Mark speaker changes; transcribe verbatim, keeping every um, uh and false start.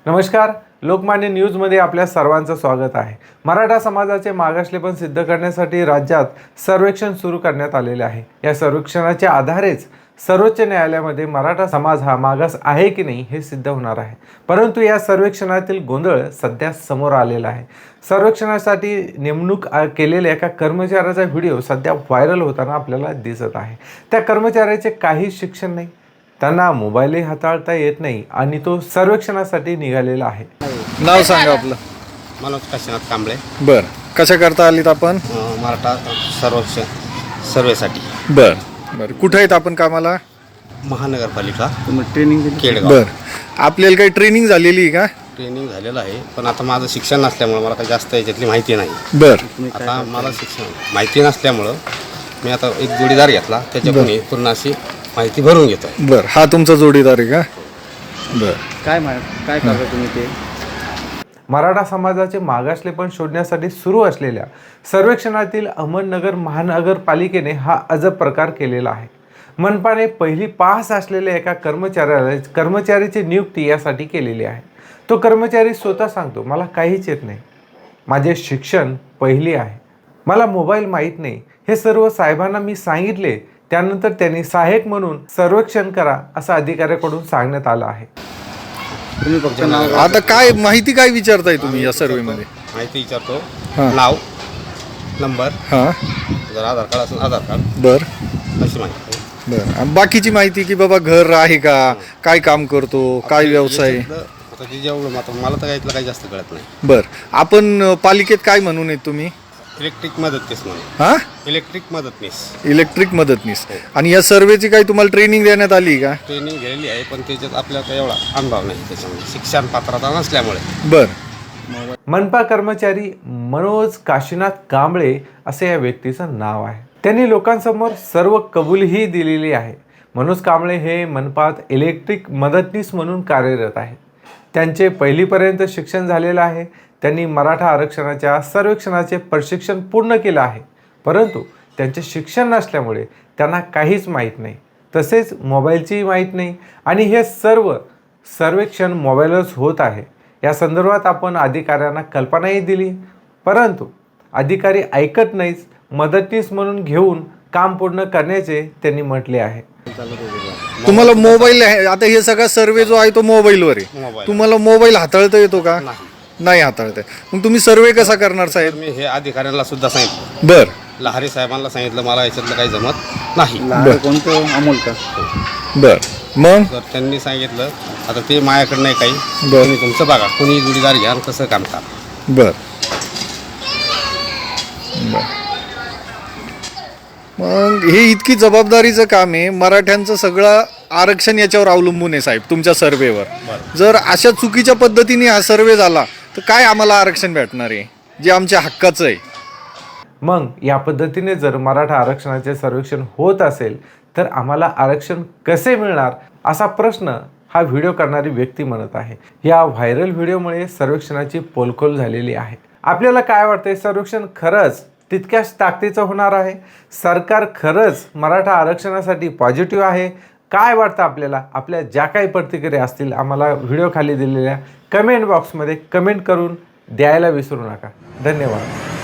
Speaker 1: नमस्कार, लोकमान्य न्यूजमध्ये आपल्या सर्वांचं स्वागत आहे। मराठा समाजाचे मागासलेपण सिद्ध करण्यासाठी राज्यात सर्वेक्षण सुरू करण्यात आलेले आहे। या सर्वेक्षणाच्या आधारेच सर्वोच्च न्यायालयामध्ये मराठा समाज हा मागास आहे की नाही हे सिद्ध होणार आहे। परंतु या सर्वेक्षणातील गोंधळ सध्या समोर आलेला आहे। सर्वेक्षणासाठी नेमणूक केलेल्या एका कर्मचाऱ्याचा व्हिडिओ सध्या व्हायरल होताना आपल्याला दिसत आहे। त्या कर्मचाऱ्याचे काही शिक्षण नाही, त्यांना मोबाईलही हाताळता येत नाही आणि तो सर्वेक्षणासाठी निघालेला आहे।
Speaker 2: नाव सांगा आपलं।
Speaker 3: मनोज काशीनाथ कांबळे।
Speaker 2: बर, कशा करता आलीत आपण?
Speaker 3: अं, मराठा सर्वेक्षण सर्वेसाठी।
Speaker 2: बर बर, कुठे आहेत आपण कामाला?
Speaker 3: महानगरपालिका
Speaker 2: ट्रेनिंग
Speaker 3: केडगाव।
Speaker 2: बर, आपल्याला काही ट्रेनिंग झालेली आहे का?
Speaker 3: ट्रेनिंग झालेलं आहे, पण आता माझं शिक्षण नसल्यामुळं मला काही जास्त याच्यातली माहिती नाही।
Speaker 2: बर,
Speaker 3: आता मला शिक्षण माहिती नसल्यामुळं मी आता एक जोडीदार घेतला, त्याच्याकडून पूर्ण अशी माहिती भरून घेतो।
Speaker 2: बर, हा तुमचा जोडीदार आहे का? बर,
Speaker 4: काय काय करता तुम्ही ते?
Speaker 1: मराठा समाजाचे मागासलेपण शोधण्यासाठी सुरू असलेल्या सर्वेक्षणातील अहमदनगर महानगरपालिकेने हा अजब प्रकार केलेला आहे। मनपाने पहिली पास असलेल्या एका कर्मचाऱ्याला कर्मचारीची नियुक्ती यासाठी केलेली आहे। तो कर्मचारी स्वतः सांगतो, मला काहीच येत नाही, माझे शिक्षण पहिली आहे, मला मोबाईल माहीत नाही, हे सर्व साहेबांना मी सांगितले। त्यानंतर त्यांनी सहाय्यक म्हणून सर्वेक्षण करा असं अधिकाऱ्याकडून सांगण्यात आलं आहे।
Speaker 4: तुम्ही फक्त नाव
Speaker 2: आता काय माहिती काय विचारताय तुम्ही या सर्वे मध्ये?
Speaker 3: माहिती विचारतो,
Speaker 2: हां.
Speaker 3: नाव, नंबर,
Speaker 2: हां,
Speaker 3: जर आधार कार्ड असेल आधार कार्ड,
Speaker 2: बर
Speaker 3: अशी माहिती।
Speaker 2: बर, बाकीची माहिती की बाबा घर आहे का, काय काम करतो, काय व्यवसाय?
Speaker 3: याच्यातलं आता जे जेवढं आता मला तर यातलं काही जास्त कळत नाही।
Speaker 2: बर, आपण पालिकेत काय म्हणून आहेत तुम्ही?
Speaker 3: इलेक्ट्रिक मदतनीस म्हणून।
Speaker 2: हा,
Speaker 3: इलेक्ट्रिक मदतनीस,
Speaker 2: इलेक्ट्रिक मदतनीस। आणि या सर्वेची काही तुम्हाला ट्रेनिंग देण्यात आली का?
Speaker 3: ट्रेनिंग घेतलेली आहे, पण त्याच्यात आपल्याला काही एवढा अनुभव नाही, त्याच्यामध्ये शिक्षण पात्रता नसल्यामुळे।
Speaker 2: बर,
Speaker 1: मनपा कर्मचारी मनोज काशीनाथ कांबळे असे या व्यक्तीचं नाव आहे। त्यांनी लोकांसमोर सर्व कबुलीही दिलेली आहे। मनोज कांबळे हे मनपात इलेक्ट्रिक मदतनीस म्हणून कार्यरत आहेत। त्यांचे पहिलीपर्यंत शिक्षण झालेलं आहे। त्यांनी मराठा आरक्षणाच्या सर्वेक्षणाचे प्रशिक्षण पूर्ण केलं आहे, परंतु त्यांचे शिक्षण नसल्यामुळे त्यांना काहीच माहीत नाही, तसेच मोबाईलचीही माहीत नाही आणि हे सर्व सर्वेक्षण मोबाईलवरच होत आहे। या संदर्भात आपण अधिकाऱ्यांना कल्पनाही दिली, परंतु अधिकारी ऐकत नाहीच, मदतनीस म्हणून घेऊन काम पूर्ण करण्याचे त्यांनी म्हटले आहे।
Speaker 2: तुम्हाला मोबाईल आहे, आता हे सगळा सर्वे जो आहे तो मोबाईलवर आहे,
Speaker 3: मोबाईल.
Speaker 2: तुम्हाला मोबाईल हाताळता येतो का?
Speaker 3: नाही,
Speaker 2: नाही हाताळता येत। मग तुम्ही सर्वे कसा करणार साहेब?
Speaker 3: मी हे अधिकाऱ्यांना सुद्धा सांगितलं,
Speaker 2: बर
Speaker 3: लहारी साहेबांना सांगितलं, मला याच्यातलं काही जमत नाही।
Speaker 4: लहान कोणतं अमोल का?
Speaker 2: बर, मग
Speaker 3: तर त्यांनी सांगितलं, आता ते माझ्याकडे नाही काही,
Speaker 2: बर.
Speaker 3: तुम्ही तुमचं बघा, कोणी जोडीदार घ्या आणि कसं काम करा।
Speaker 2: बर बर, मग हे इतकी जबाबदारीचं काम आहे, मराठ्यांचं सगळं आरक्षण याच्यावर अवलंबून आहे साहेब, तुमच्या सर्वेवर। जर अशा चुकीच्या पद्धतीने हा सर्वे झाला तर काय आम्हाला आरक्षण भेटणार आहे जे आमच्या हक्काचं आहे?
Speaker 1: मग या पद्धतीने जर मराठा आरक्षणाचे सर्वेक्षण होत असेल तर आम्हाला आरक्षण कसे मिळणार असा प्रश्न हा व्हिडिओ करणारी व्यक्ती म्हणत आहे। या व्हायरल व्हिडिओमुळे सर्वेक्षणाची पोलखोल झालेली आहे। आपल्याला काय वाटतंय, सर्वेक्षण खरंच तितक्याच ताकदीचं होणार आहे? सरकार खरंच मराठा आरक्षणासाठी पॉझिटिव्ह आहे? काय वाटतं आपल्याला? आपल्या ज्या काही प्रतिक्रिया असतील आम्हाला व्हिडिओ खाली दिलेल्या कमेंट बॉक्समध्ये कमेंट करून द्यायला विसरू नका। धन्यवाद।